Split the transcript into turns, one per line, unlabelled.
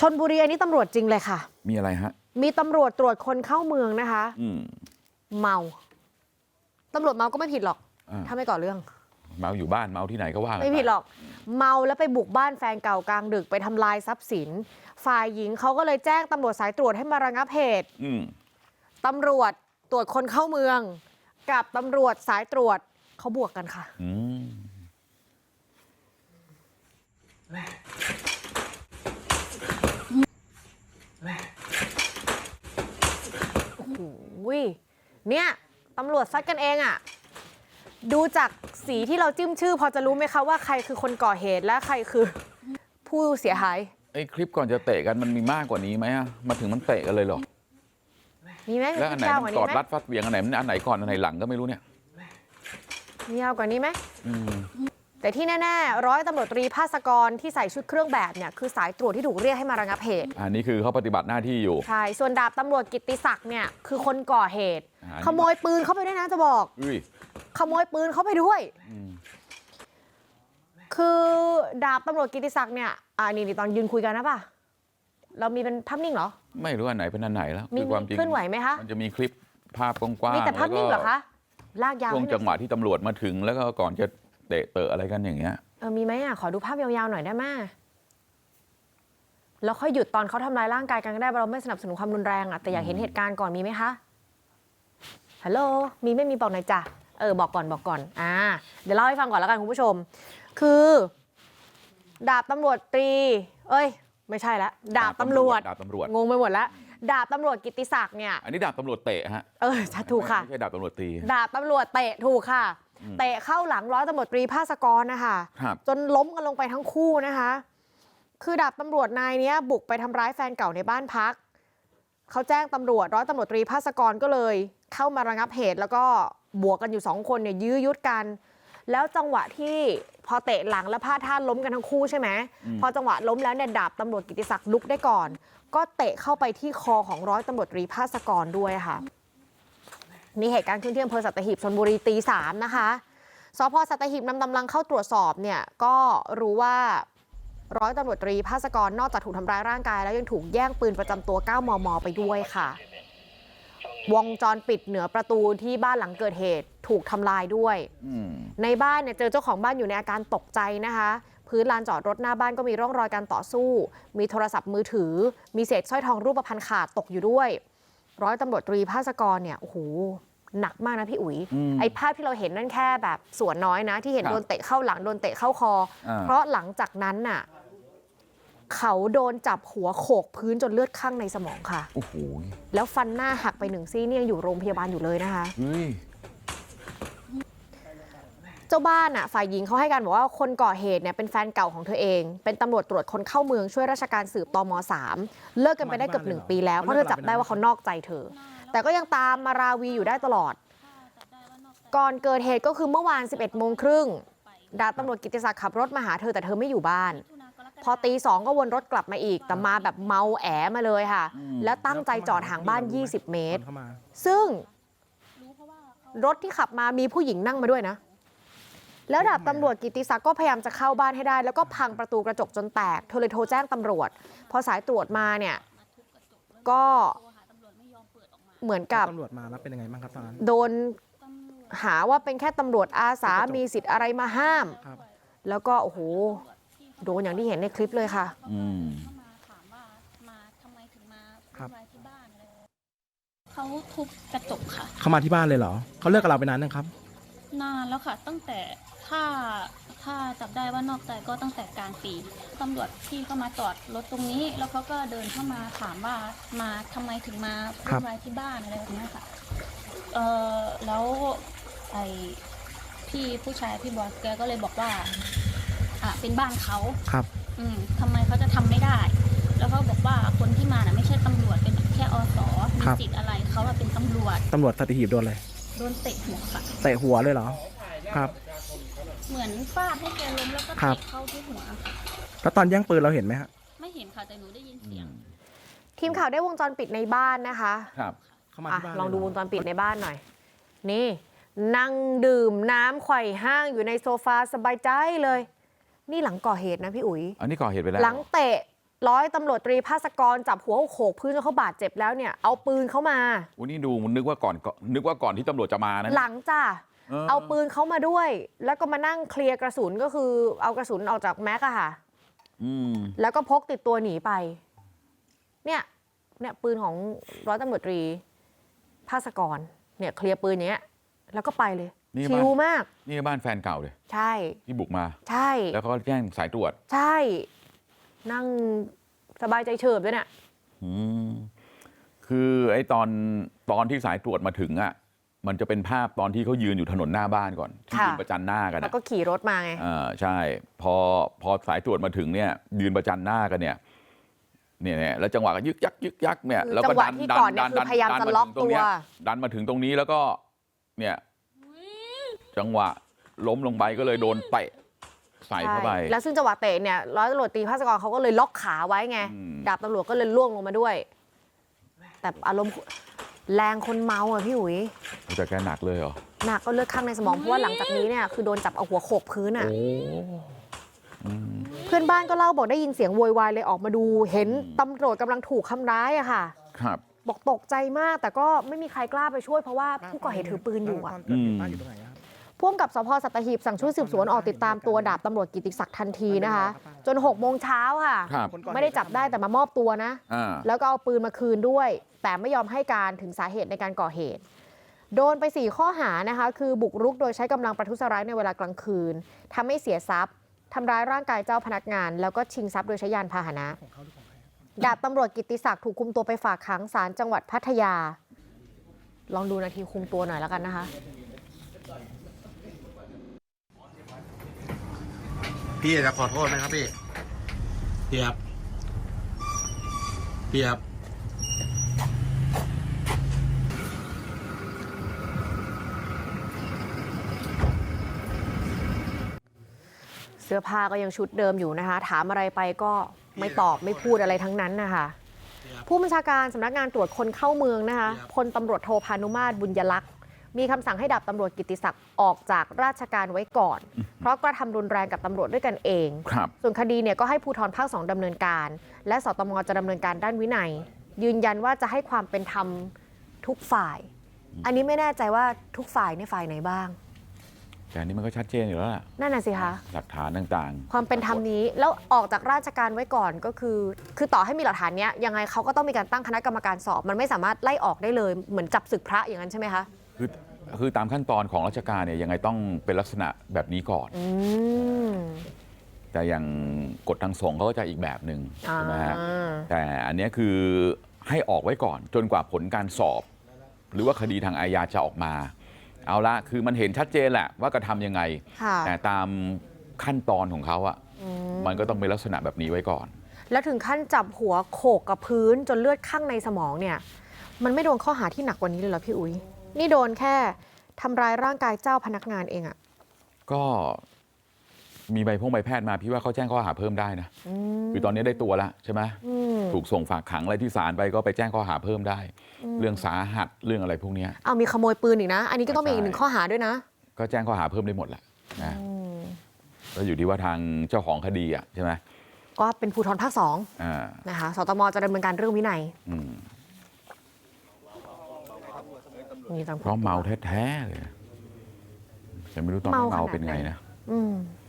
ชลบุรีอันนี้ตำรวจจริงเลยค่ะ
มีอะไรฮะ
มีตำรวจตรวจคนเข้าเมืองนะคะเมาตำรวจเมาก็ไม่ผิดหรอกถ้าไม่ก่อเรื่อง
เมาอยู่บ้านเมาที่ไหนก็ว่า
ไม่ผิดหรอกเมาแล้วไปบุกบ้านแฟนเก่ากลางดึกไปทำลายทรัพย์สินฝ่ายหญิงเขาก็เลยแจ้งตำรวจสายตรวจให้มาระงับเหตุตำรวจตรวจคนเข้าเมืองกับตำรวจสายตรวจเขาบวกกันค่ะโอ้โหเนี่ยตำรวจซัดกันเองอ่ะดูจากสีที่เราจิ้มชื่อพอจะรู้ไหมคะว่าใครคือคนก่อเหตุและใครคือผู้เสียหาย
ไอ้คลิปก่อนจะเตะกันมันมีมากกว่านี้ไหมอะมาถึงมันเตะกันเลยเหรอ
มีไหม
แล้วอันไหนมันกอดรัดฟัดเหวี่ยงอันไหนมันอันไหนก่อนอันไหนหลังก็ไม่รู้เนี่ย
มียาวกว่านี้ไหมแต่ที่แน่ๆร้อยตำรวจตรีภาสกรที่ใส่ชุดเครื่องแบบเนี่ยคือสายตรวจที่ถูกเรียกให้มาระงับเหตุ
อันนี้คือเขาปฏิบัติหน้าที่อยู่
ใช่ส่วนดาบตำรวจกิตติศักดิ์เนี่ยคือคนก่อเหตุขโมยปืนเข้าไปด้วยนะจะบอกขโมยปืนเข้าไปด้วยคือดาบตำรวจกิตติศักดิ์เนี่ยนี่ตอนยืนคุยกันนะป่ะเรามีเป็นภาพนิ่งเหรอ
ไม่รู้อันไหนเป็นอันไหนแล้ว
มีความจริงเคลื่อนไหวไหมคะ
มันจะมีคลิปภาพกว้างๆ
มีแต่ภาพนิ่งเหรอคะลากยาว
ช่วงจังหวะที่ตำรวจมาถึงแล้วก็ก่อนจะเตะอะไรกันอย่างเงี้ย
มีไหมขอดูภาพยาวๆหน่อยได้ไหมแล้วค่อยหยุดตอนเขาทำร้ายร่างกายกันก็ได้เราไม่สนับสนุนความรุนแรงแต่อยากเห็นเหตุการณ์ก่อนมีไหมคะฮัลโหลมีไม่มีบอกหน่อยจ้ะบอกก่อนเดี๋ยวเล่าให้ฟังก่อนแล้วกันคุณผู้ชมคือดาบตำรวจตรีไม่ใช่ละดาบตำรวจงงไปหมดแล้วดาบตำรวจกิตติศักดิ์เนี่ย
อันนี้ดาบตำรวจเตะฮะ
ถูกค่ะ
ไม่ใช่ดาบตำรวจตี
ดาบตำรวจเตะถูกค่ะเตะเข้าหลังร้อยตำรวจตรีภาสกรนะคะจนล้มกันลงไปทั้งคู่นะคะคือดาบตำรวจนายนี้บุกไปทำร้ายแฟนเก่าในบ้านพักเขาแจ้งตำรวจร้อยตำรวจตรีภาสกรก็เลยเข้ามาระงับเหตุแล้วก็บวกกันอยู่2คนเนี่ยยื้อยุดกันแล้วจังหวะที่พอเตะหลังแล้วพลาดท่าล้มกันทั้งคู่ใช่ไหมพอจังหวะล้มแล้วเนี่ยดาบตำรวจกิตติศักดิ์ลุกได้ก่อนก็เตะเข้าไปที่คอของร้อยตำรวจตรีภาสกรด้วยค่ะนี่เหตุการณ์ขึ้นที่อำเภอสัตหีบชลบุรีตี 3นะคะสพ.สัตหีบนำกำลังเข้าตรวจสอบเนี่ยก็รู้ว่าร้อยตำรวจตรีภาสกรนอกจากถูกทำร้ายร่างกายแล้วยังถูกแย่งปืนประจำตัว 9 มม.ไปด้วยค่ะวงจรปิดเหนือประตูที่บ้านหลังเกิดเหตุถูกทำลายด้วยในบ้านเนี่ยเจอเจ้าของบ้านอยู่ในอาการตกใจนะคะพื้นลานจอดรถหน้าบ้านก็มีร่องรอยการต่อสู้มีโทรศัพท์มือถือมีเศษสร้อยทองรูปพรรณขาดตกอยู่ด้วยร้อยตำรวจตรีภาสกรเนี่ยโอ้โหหนักมากนะพี่อุ๋ยไอ้ภาพที่เราเห็นนั่นแค่แบบส่วนน้อยนะที่เห็นโดนเตะเข้าหลังโดนเตะเข้าคอเพราะหลังจากนั้นน่ะเขาโดนจับหัวโขกพื้นจนเลือดข้างในสมองค่ะ
โอ้โห
แล้วฟันหน้าหักไป1 ซี่เนี่ยอยู่โรงพยาบาลอยู่เลยนะคะเจ้าบ้านฝ่ายหญิงเขาให้การบอกว่าคนก่อเหตุเนี่ยเป็นแฟนเก่าของเธอเองเป็นตำรวจตรวจคนเข้าเมืองช่วยราชการสืบตม. 3เลิกกันไปได้เกือบ1 ปีแล้วเพราะเธอจับได้ว่าเขานอกใจเธอแต่ก็ยังตามมาราวีอยู่ได้ตลอดก่อนเกิดเหตุก็คือเมื่อวาน 11:30 น.ดาบตำรวจกิตติศักดิ์ขับรถมาหาเธอแต่เธอไม่อยู่บ้านพอตี 2ก็วนรถกลับมาอีกแต่มาแบบเมาแอ๋มาเลยค่ะแล้วตั้งใจจอดห่างบ้าน20 เมตรซึ่งรถที่ขับมามีผู้หญิงนั่งมาด้วยนะแล้วดาบตำรวจกิตติศักดิ์ก็พยายามจะเข้าบ้านให้ได้แล้วก็พังประตูกระจกจนแตกเธอเลยโทรแจ้งตำรวจพอสายตรวจมาเนี่ยก็เหมือนกับ
ตำรวจมาแล้วเป็นยังไงบ้างครับตอนนั้น
โดนหาว่าเป็นแค่ตำรวจอาสามีสิทธิ์อะไรมาห้ามแล้วก็โอ้โหโดนอย่างที่เห็นในคลิปเลยค่ะ
เขาทุบกระจกค่ะ
เขามาที่บ้านเลยเหรอเขาเลิกกับเราไปนานยังครับ
นานแล้วค่ะตั้งแต่ถ้าจับได้ว่านอกใจก็ตั้งแต่กลางปีตำรวจที่เข้ามาจอดรถตรงนี้แล้วเขาก็เดินเข้ามาถามว่ามาทำไมถึงมาวุ่นวายที่บ้านอะไรแบบนี้ค่ะแล้วไอ้พี่ผู้ชายพี่บอสแกก็เลยบอกว่าเป็นบ้านเขา
ครับ
ทำไมเขาจะทำไม่ได้แล้วเขาบอกว่าคนที่มาน่ะไม่ใช่ตำรวจเป็นแค่อส.มีสิทธิ์อะไรเขาเป็นตำรวจ
สัตหีบโดนอะไร
โดนเตะหัวค่ะ
เตะหัวเลยเหรอครับ
เหมือนฟาดให้แกล้มแล้วก็เตะเข้าที่หัว
แล้วตอนแย่งปืนเราเห็นไหมฮะ
ไม่เห็นค่ะแต่หนูได้ยินเสียง
ทีมข่าวได้วงจรปิดในบ้านนะคะ
ครับ
ลองดูวงจรปิดในบ้านหน่อยนี่นั่งดื่มน้ำไขว่ห้างอยู่ในโซฟาสบายใจเลยนี่หลังก่อเหตุนะพี่อุ๋ย
อันนี้ก่อเหตุไปแล้ว
หลังเตะร้อยตำรวจตรีภาสกรจับหัวโขกพื้นจนเขาบาดเจ็บแล้วเนี่ยเอาปืนเขามา
วันนี้ดูนึกว่าก่อนที่ตำรวจจะมานะ
หลังจ้ะเอาปืนเขามาด้วย แล้วก็มานั่งเคลียร์กระสุนก็คือเอากระสุนออกจากแม็กอะค่ะแล้วก็พกติดตัวหนีไปเนี่ยปืนของร้อยตำรวจตรีภาสกรเนี่ยเคลียร์ปืนอย่างเงี้ยแล้วก็ไปเลยชิลมาก
นี่บ้านแฟนเก่าเลย
ใช่
ที่บุกมา
ใช่
แล้วเขาก็แจ้งสายตรวจ
ใช่นั่งสบายใจเฉิบด้วยเนี่ย
คือไอ้ตอนที่สายตรวจมาถึงอ่ะมันจะเป็นภาพตอนที่เขายืนอยู่ถนนหน้าบ้านก่อนที่ยืนประจันหน้ากัน
แล้วก็ขี่รถมาไง
ใช่พอสายตรวจมาถึงเนี่ยยืนประจันหน้ากันเนี่ยแล้วจังหวะก็ยึกยักเนี่ยแล้วก็ดัน
พยายามจะล็อกตัว
ดันมาถึงตรงนี้แล้วก็เนี่ยจังหวะล้มลงไปก็เลยโดนเตะใส่เข้าไป
แล้วซึ่งจังหวะเตะเนี่ยร้อยตำรวจตรีภาสกรเขาก็เลยล็อกขาไว้ไงดาบตำรวจก็เลยล่วงลงมาด้วยแต่อารมณ์แรงคนเมาอ่ะพี่อุ๋ย
แต่แกหนักเลยเหรอ
หนักก็เลือดข้างในสมองเพราะว่าหลังจากนี้เนี่ยคือโดนจับเอาหัวโขกพื้นอ่ะเพื่อนบ้านก็เล่าบอกได้ยินเสียงโวยวายเลยออกมาดูเห็นตำรวจกำลังถูกทำร้ายอะค่ะ
ครับ
บอกตกใจมากแต่ก็ไม่มีใครกล้าไปช่วยเพราะว่าผู้ก่อเหตุถือปืนอยู่อ่ะพ่วงกับสพสัตหีบสั่งชุดสืบสวนออกติดตามตัวดาบตำรวจกิติศักดิ์ทันทีนะคะจน6 โมงเช้าค่ะไม่ได้จับได้แต่มามอบตัวนะแล้วก็เอาปืนมาคืนด้วยแต่ไม่ยอมให้การถึงสาเหตุในการก่อเหตุโดนไป4 ข้อหานะคะคือบุกรุกโดยใช้กำลังประทุษร้ายในเวลากลางคืนทำให้เสียทรัพย์ทำร้ายร่างกายเจ้าพนักงานแล้วก็ชิงทรัพย์โดยใช้ยานพาหนะดาบตำรวจกิติศักดิ์ถูกคุมตัวไปฝากขังศาลจังหวัดพัทยาลองดูนาทีคุมตัวหน่อยแล้วกันนะคะ
พี่จะขอโทษไหมครับพี่เปียบ
เสื้อผ้าก็ยังชุดเดิมอยู่นะคะถามอะไรไปก็ไม่ตอบไม่พูดอะไรทั้งนั้นนะคะผู้บัญชาการสำนักงานตรวจคนเข้าเมืองนะคะพลตำรวจโทพานุมาตรบุญยลักษณ์มีคำสั่งให้ดาบตำรวจกิติศักดิ์ออกจากราชการไว้ก่อนเพราะกระทำรุนแรงกับตำรวจด้วยกันเองส่วนคดีเนี่ยก็ให้ภูธรภาค 2ดำเนินการและสตม.จะดำเนินการด้านวินัยยืนยันว่าจะให้ความเป็นธรรมทุกฝ่ายอันนี้ไม่แน่ใจว่าทุกฝ่ายในฝ่ายไหนบ้าง
แต่อันนี้มันก็ชัดเจนอยู่แล้วล่ะ
นั่นน่ะสิคะ
หลักฐานต่าง
ๆความเป็นธรรมนี้แล้วออกจากราชการไว้ก่อนก็คือต่อให้มีหลักฐานเนี้ยยังไงเขาก็ต้องมีการตั้งคณะกรรมการสอบมันไม่สามารถไล่ออกได้เลยเหมือนจับศึกพระอย่างนั้นใช่ไหมคะ
คือตามขั้นตอนของราชการเนี่ยยังไงต้องเป็นลักษณะแบบนี้ก่อนแต่อย่างกฎทางสงฆ์เขาก็จะอีกแบบหนึ่งใช่ไหมฮะแต่อันนี้คือให้ออกไว้ก่อนจนกว่าผลการสอบหรือว่าคดีทางอาญาจะออกมาเอาละคือมันเห็นชัดเจนแหละว่ากระทำยังไงแต่ตามขั้นตอนของเขาอ่ะมันก็ต้องเป็นลักษณะแบบนี้ไว้ก่อน
แล้วถึงขั้นจับหัวโขกกับพื้นจนเลือดข้างในสมองเนี่ยมันไม่โดนข้อหาที่หนักกว่านี้เลยเหรอพี่อุ๋ยนี่โดนแค่ทำร้ายร่างกายเจ้าพนักงานเองอ่ะ
ก็มีใบแพทย์มาพี่ว่าเขาแจ้งข้อหาเพิ่มได้นะคือตอนนี้ได้ตัวแล้วใช่ไหมถูกส่งฝากขังอะไรที่ศาลไปก็ไปแจ้งข้อหาเพิ่มได้เรื่องสาหัสเรื่องอะไรพวกนี้
เอามีขโมยปืนอีกนะอันนี้ก็ต้องมีอีก1 ข้อหาด้วยนะ
ก็แจ้งข้อหาเพิ่มได้หมดแหละนะแล้วอยู่ที่ว่าทางเจ้าของคดีอ่ะใช่ไหม
ก็เป็นภูธรภาค 2นะคะสตม.จะดำเนินการเรื่องวินัย
เพราะเมาแท้ๆเลยแต่ไม่รู้ตอนเมาเป็นไงนะ